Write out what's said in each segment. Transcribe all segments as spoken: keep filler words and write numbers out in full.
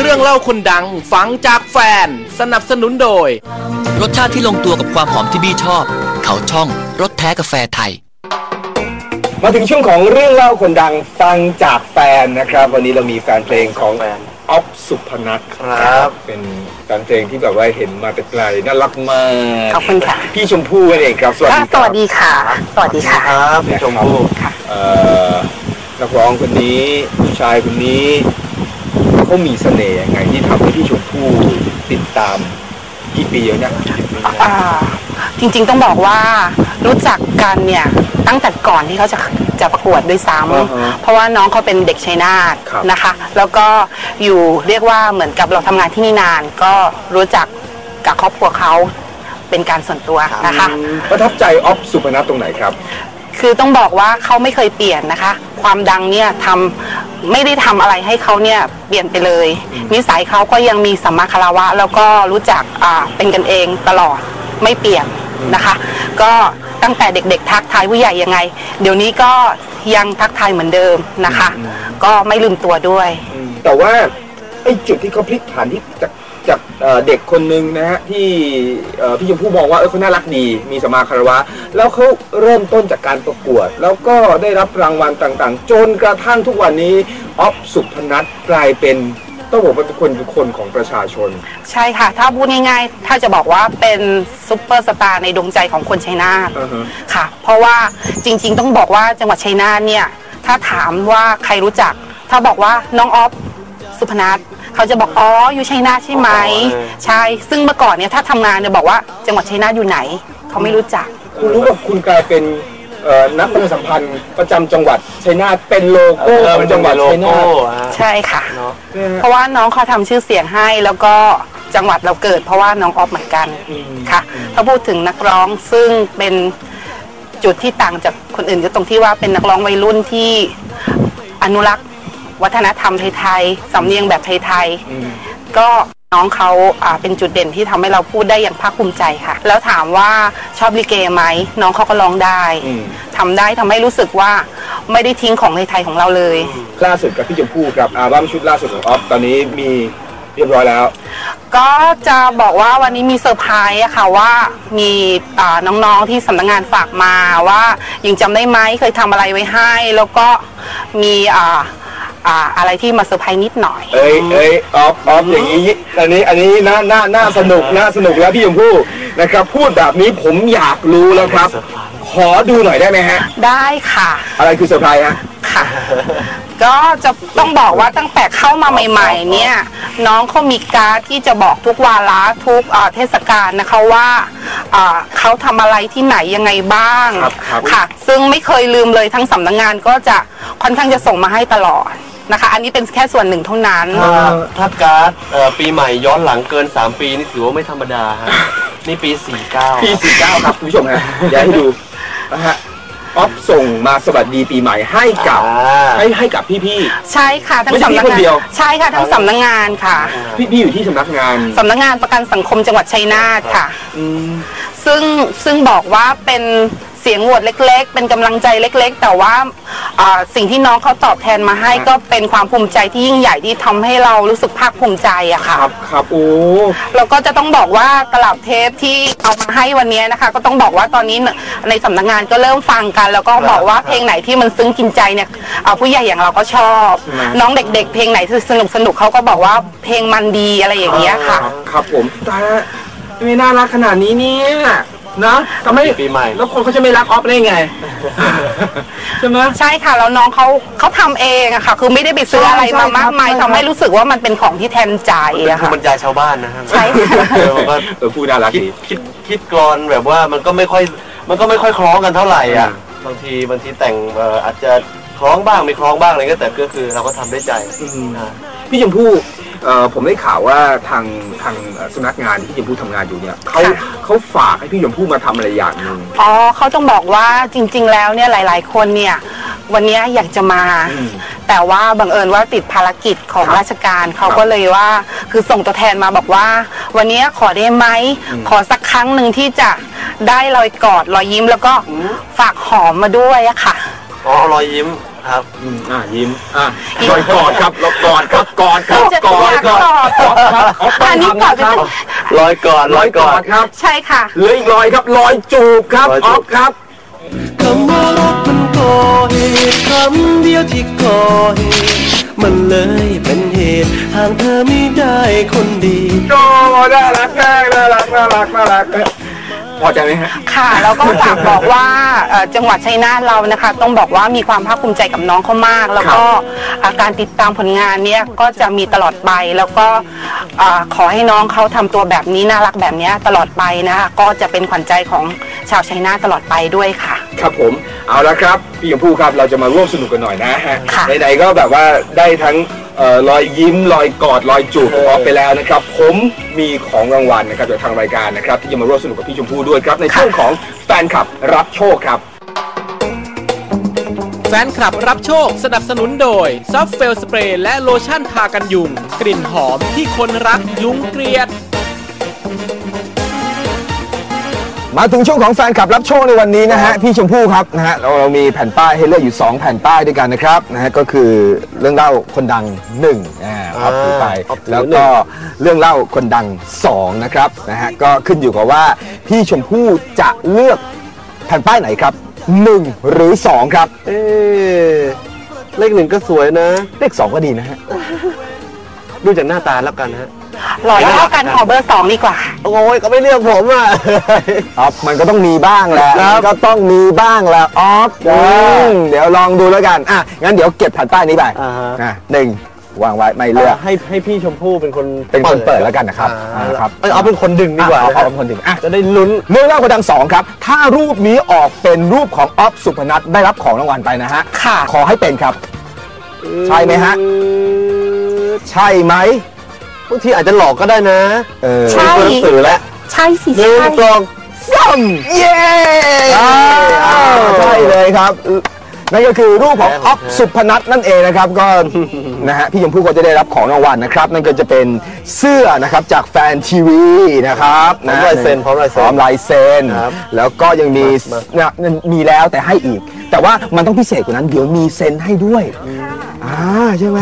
รื่องเล่าคนดังฟังจากแฟนสนับสนุนโดยรสชาติที่ลงตัวกับความหอมที่บี้ชอบเขาช่องรสแท้กาแฟไทยมาถึงช่วงของเรื่องเล่าคนดังฟังจากแฟนนะครับวันนี้เรามีแฟนเพลงของอ๊อฟสุพนัทครับเป็นแฟนเพลงที่แบบว่าเห็นมาแต่ไกลน่ารักมากขอบคุณค่ะพี่ชมพู่นั่นเองครับสวัสดีสวัสดีค่ะสวัสดีค่ะครับพี่ชมพู่นักร้องคนนี้ผู้ชายคนนี้เขามีเสน่ห์ยังไงที่ทำให้พี่ชมพู่ติดตามกี่ปีแล้วเนี่ยจริงๆต้องบอกว่ารู้จักกันเนี่ยตั้งแต่ก่อนที่เขาจะจะประกวดด้วยซ้ำเพราะว่าน้องเขาเป็นเด็กชัยนาทนะคะแล้วก็อยู่เรียกว่าเหมือนกับเราทำงานที่นี่นานก็รู้จักกับครอบครัวเขาเป็นการส่วนตัวนะคะประทับใจอ๊อฟสุพนัทตรงไหนครับคือต้องบอกว่าเขาไม่เคยเปลี่ยนนะคะความดังเนี่ยทำไม่ได้ทำอะไรให้เขาเนี่ยเปลี่ยนไปเลยนิสัยเขาก็ยังมีสัมมาคารวะแล้วก็รู้จักอ่าเป็นกันเองตลอดไม่เปลี่ยนนะคะก็ตั้งแต่เด็กๆทักทายผู้ใหญ่ยังไงเดี๋ยวนี้ก็ยังทักทายเหมือนเดิมนะคะก็ไม่ลืมตัวด้วยแต่ว่าไอ้จุดที่เขาพลิกผันที่จากจากเด็กคนหนึ่งนะฮะที่พี่ชมพู่มองว่าเออเขาน่ารักดีมีสัมมาคารวะแล้วเขาเริ่มต้นจากการประกวดแล้วก็ได้รับรางวัลต่างๆจนกระทั่งทุกวันนี้อ๊อฟสุพนัทกลายเป็นต้องบอกว่าเป็นคนคนของประชาชนใช่ค่ะถ้าพูดง่ายๆถ้าจะบอกว่าเป็นซุปเปอร์สตาร์ในดวงใจของคนชัยนาท uh-huh. ค่ะเพราะว่าจริงๆต้องบอกว่าจังหวัดชัยนาทเนี่ยถ้าถามว่าใครรู้จักถ้าบอกว่าน้องอ๊อฟสุพนัทเขาจะบอกอ๋ออยู่ชัยนาทใช่ไหม uh-huh. ใช่ซึ่งเมื่อก่อนเนี่ยถ้าทำงานเนี่ยบอกว่าจังหวัดชัยนาทอยู่ไหนเขาไม่รู้จักคุณรู้ว่าคุณกลายเป็นนักประชาสัมพันธ์ประจำจังหวัดชัยนาทเป็นโลโก้ของจังหวัดชัยนาทใช่ค่ะเพราะว่าน้องเขาทำชื่อเสียงให้แล้วก็จังหวัดเราเกิดเพราะว่าน้องออฟเหมือนกันค่ะถ้าพูดถึงนักร้องซึ่งเป็นจุดที่ต่างจากคนอื่นก็ตรงที่ว่าเป็นนักร้องวัยรุ่นที่อนุรักษ์วัฒนธรรมไทยๆสำเนียงแบบไทยๆก็น้องเขาเป็นจุดเด่นที่ทำให้เราพูดได้อย่างภาคภูมิใจค่ะแล้วถามว่าชอบลิเกไหมน้องเขาก็ร้องได้ทำได้ทำให้รู้สึกว่าไม่ได้ทิ้งของในไทยของเราเลยล่าสุดกับพี่ชมพู่ครับอัลบั้มชุดล่าสุดของอ๊อฟตอนนี้มีเรียบร้อยแล้วก็จะบอกว่าวันนี้มีเซอร์ไพรส์อะค่ะว่ามีน้องๆที่สำนักงานฝากมาว่ายังจำได้ไหมเคยทำอะไรไว้ให้แล้วก็มีอะไรที่มาเซอร์ไพรส์นิดหน่อยเอ้ยเอ้ยออฟออฟอย่างนี้อันนี้อันนี้น่าน่าน่าสนุกน่าสนุกแล้วพี่ชมพู่นะครับพูดแบบนี้ผมอยากรู้แล้วครับขอดูหน่อยได้ไหมฮะได้ค่ะอะไรคือเซอร์ไพรส์ฮะค่ะก็จะต้องบอกว่าตั้งแต่เข้ามาใหม่ๆเนี่ยน้องเขามีการ์ดที่จะบอกทุกวาระทุกเทศกาลนะคะว่าเขาทำอะไรที่ไหนยังไงบ้างค่ะซึ่งไม่เคยลืมเลยทั้งสำนักงานก็จะค่อนข้างจะส่งมาให้ตลอดนะคะอันนี้เป็นแค่ส่วนหนึ่งเท่านั้นถ้าการ์ดปีใหม่ย้อนหลังเกินสามปีนี่ถือว่าไม่ธรรมดาฮะนี่ปีสี่สิบเก้าปีสี่สิบเก้าครับคุณผู้ชมฮะอยากให้ดูนะฮะอ๊อฟส่งมาสวัสดีปีใหม่ให้กับให้ให้กับพี่ๆใช่ค่ะทั้งสำนักงานใช่ค่ะทั้งสำนักงานค่ะพี่ๆอยู่ที่สำนักงานสำนักงานประกันสังคมจังหวัดชัยนาทค่ะซึ่งซึ่งบอกว่าเป็นเสียงโหวตเล็กๆเป็นกำลังใจเล็กๆแต่ว่าสิ่งที่น้องเขาตอบแทนมาให้ก็เป็นความภูมิใจที่ยิ่งใหญ่ที่ทำให้เรารู้สึกภาคภูมิใจอะค่ะครับครับโอ้แล้วก็จะต้องบอกว่าตลับเทปที่เอามาให้วันนี้นะคะก็ต้องบอกว่าตอนนี้ในสำนักงานก็เริ่มฟังกันแล้วก็บอกว่าเพลงไหนที่มันซึ้งกินใจเนี่ยผู้ใหญ่อย่างเราก็ชอบน้องเด็กๆเพลงไหนสนุกสนุกเขาก็บอกว่าเพลงมันดีอะไรอย่างเงี้ยค่ะครับผมแต่ไม่น่ารักขนาดนี้เนี่ยนะทำไมปีใหม่แล้วคนเขาจะไม่รักออฟได้ไงใช่ไหมใช่ค่ะแล้วน้องเขาเขาทำเองอะค่ะคือไม่ได้ไปซื้ออะไรมามากมายทำให้รู้สึกว่ามันเป็นของที่แทนใจอะค่ะบรรยายชาวบ้านนะครับใช่ค่ะเออพูดน่ารักดีคิดคิดกลอนแบบว่ามันก็ไม่ค่อยมันก็ไม่ค่อยคล้องกันเท่าไหร่อ่ะบางทีบางทีแต่งอาจจะคล้องบ้างไม่คล้องบ้างอะไรก็แต่ก็คือเราก็ทำได้ใจพี่ชมพู่ผมได้ข่าวว่าทางทางสำนักงานที่พี่ชมพู่ทำงานอยู่เนี่ยเขาเขาฝากให้พี่ชมพู่มาทำอะไรอย่างหนึ่งอ๋อเขาต้องบอกว่าจริงๆแล้วเนี่ยหลายๆคนเนี่ยวันนี้อยากจะมาแต่ว่าบังเอิญว่าติดภารกิจของราชการเขาก็เลยว่าคือส่งตัวแทนมาบอกว่าวันนี้ขอได้ไหมขอสักครั้งหนึ่งที่จะได้รอยกอดรอยยิ้มแล้วก็ฝากหอมมาด้วยอะค่ะอ๋อรอยยิ้มครับอืมอ่ะยิ้มอ่ะลอยกอดครับลอยกอดครับกอดครับจะกอดกอดกอดครับออฟต้อัองนนี้ทำกอดนะครับลอยกอดลอยกอดครับใช่ค่ะเหลืออีกลอยครับลอยจูบครับลอยอจูอบ ฟครับคำว่ารักมันก่อเหตุคำเดียวที่ก่อเหตุมันเลยเป็นเหตุหากเธอไม่ได้คนดีโอ้น่ารักมากน่ารักน่ารักน่ารักพอใจไหมฮะค่ะแล้วก็ฝากบอกว่าเอ่อจังหวัดชัยนาทเรานะคะ ต้องบอกว่ามีความภาคภูมิใจกับน้องเขามาก แล้วก็อ่าการติดตามผลงานเนี้ยก็จะมีตลอดไปแล้วก็อ่าขอให้น้องเขาทำตัวแบบนี้น่ารักแบบเนี้ยตลอดไปนะคะก็จะเป็นขวัญใจของชาวชัยนาทตลอดไปด้วยค่ะครับผมเอาละครับพี่ชมพู่ครับเราจะมาร่วมสนุกกันหน่อยนะฮะค่ะไหนๆก็แบบว่าได้ทั้งเอ่อรอยยิ้มรอยกอดรอยจูบของออฟไปแล้วนะครับผมมีของรางวัลนะครับจากทางรายการนะครับที่จะมาร่วมสนุกกับพี่ชมพู่ด้วยครับในช่วงของแฟนคลับรับโชคครับแฟนคลับรับโชคสนับสนุนโดยซอฟเฟลสเปรย์และโลชั่นทากันยุงกลิ่นหอมที่คนรักยุงเกลียดมาถึงช่วงของแฟนคลับรับโชคในวันนี้นะฮะพี่ชมพู่ครับนะฮะเราเรามีแผ่นป้ายให้เลือกอยู่สองแผ่นป้ายด้วยกันนะครับนะฮะก็คือเรื่องเล่าคนดังหนึ่งอ่าออฟถือไปออฟถือแล้วก็เรื่องเล่าคนดังสองนะครับนะฮะก็ขึ้นอยู่กับว่าพี่ชมพู่จะเลือกแผ่นป้ายไหนครับหนึ่งหรือสองครับเอ๊ะเลขหนึ่งก็สวยนะเลขสองก็ดีนะฮะดูจากหน้าตาแล้วกันฮะหล่อเท่ากันขอเบอร์สองดีกว่าโอ้ยก็ไม่เลือกผมอ่ะออฟมันก็ต้องมีบ้างแหละครับมันก็ต้องมีบ้างแหละออฟครับอืมเดี๋ยวลองดูแล้วกันอ่ะงั้นเดี๋ยวเก็บแผ่นป้ายนี้ไปอ่าฮะอ่ะหนึ่งวางไว้ไม่เลือกให้ให้พี่ชมพู่เป็นคนเป็นคนเปิดแล้วกันนะครับอ่านะครับเอ้ยเอาเป็นคนดึงดีกว่าอ่ะนะเอาครัเอาบเป็นคนดึงอ่ะจะได้ลุ้นเรื่องเล่าคนดังสองครับ ถ้ารูปนี้ออกเป็นรูปของออฟสุพนัทได้รับของรางวัลไปนะฮะค่ะขอให้เป็นครับ ใช่ไหมฮะ ใช่ไหมบางทีอาจจะหลอกก็ได้นะเออใช่เป็นคนสื่อแล้วใช่สิหนึ่งใช่สองซ้ำเย้อ้าวใช่เลยครับนั่นก็คือรูปของออฟสุพนัทนั่นเองนะครับก็ นะฮะพี่ชมพู่ก็จะได้รับของรางวัลนะครับ นั่นก็จะเป็นเสื้อนะครับจากแฟนทีวีนะครับพร้อมลายเซ็นพร้อมลายเซ็นพร้อมลายเซ็นครับแล้วก็ยังมีมาเนี่ยมีแล้วแต่ให้อีก แต่ว่ามันต้องพิเศษกว่านั้นเดี๋ยวมีเซ็นให้ด้วยอ่าใช่ไหม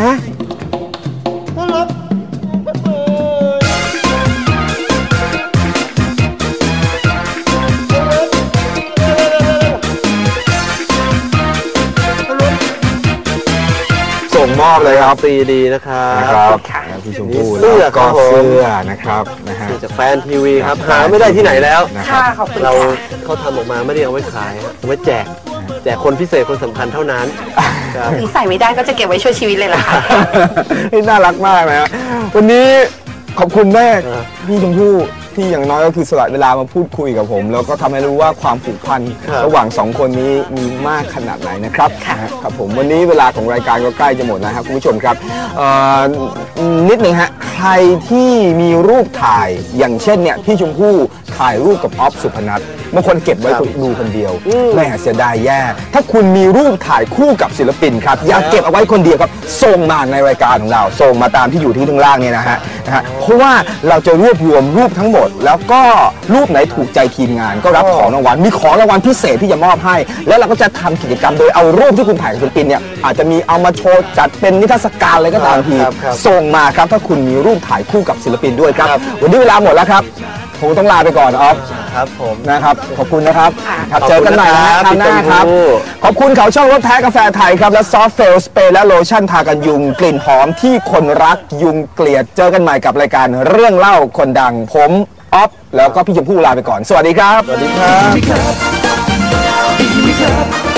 ส่งมอบเลยครับซีดีนะครันะครับค่ะพี่ชมพู่เสื้อแล้วก็ครับผมเสื้อนะครับนะฮะจากแฟนทีวีครับ หาไม่ได้ที่ไหนแล้วนะคค่ะรับขอบคุณเราค่ะเขาทำออกมาไม่ได้เอาไว้ขายฮะเอาไว้แจก แจกคนพิเศษคนสำคัญเท่านั้นครับถึงใส่ไม่ได้ก็จะเก็บไว้ช่วยชีวิตเลยล่ะค่ะนี่น่ารักมากนะฮะวันนี้ขอบคุณแม่ครับพี่ชมพู่ที่อย่างน้อยก็คือสละเวลามาพูดคุยกับผม แล้วก็ทำให้รู้ว่าความผูกพันครับระหว่างสองคนนี้มีมากขนาดไหนนะครับค่ะนะฮะครับผมวันนี้เวลาของรายการก็ใกล้จะหมดนะครับคุณผู้ชมครับเอ่อนิดหนึ่งฮะใครที่มีรูปถ่ายอย่างเช่นเนี่ยพี่ชมพู่ถ่ายรูปกับออฟสุพนัทบางคนเก็บไว้ดูคนเดียวแม่เสียดายแย่ถ้าคุณมีรูปถ่ายคู่กับศิลปินครับอย่าเก็บเอาไว้คนเดียวครับส่งมาในรายการของเราส่งมาตามที่อยู่ที่ข้างล่างเนี่ยนะฮะนะฮะเพราะว่าเราจะรวบรวมรูปทั้งหมด แล้วก็รูปไหนถูกใจทีมงานก็รับของรางวัลมีของรางวัลพิเศษที่จะมอบให้ แล้วเราก็จะทำกิจกรรมโดยเอารูปที่คุณถ่ายกับศิลปินเนี่ยอาจจะมีเอามาโชว์จัดเป็นนิทรรศการอะไรก็ตามทีครับครับส่งมาครับถ้าคุณมีรูปถ่ายคู่กับศิลปินด้วยครับครับวันนี้เวลาหมดแล้วครับผมต้องลาไปก่อนออฟครับผมนะครับขอบคุณนะครับค่ะครับขอบคุณเจอกันใหม่นะนะครับคราวหน้าครับพี่ชมพู่ขอบคุณเขาช่องรถแท้กาแฟไทยครับและซอฟเฟลสเปรย์และโลชั่นทากันยุงกลิ่นหอมที่คนรักยุงเกลียดเจอกันใหม่กับรายการเรื่องเล่าคนดังผมออฟแล้วก็พี่ชมพู่ลาไปก่อนสวัสดีครับสวัสดีครับ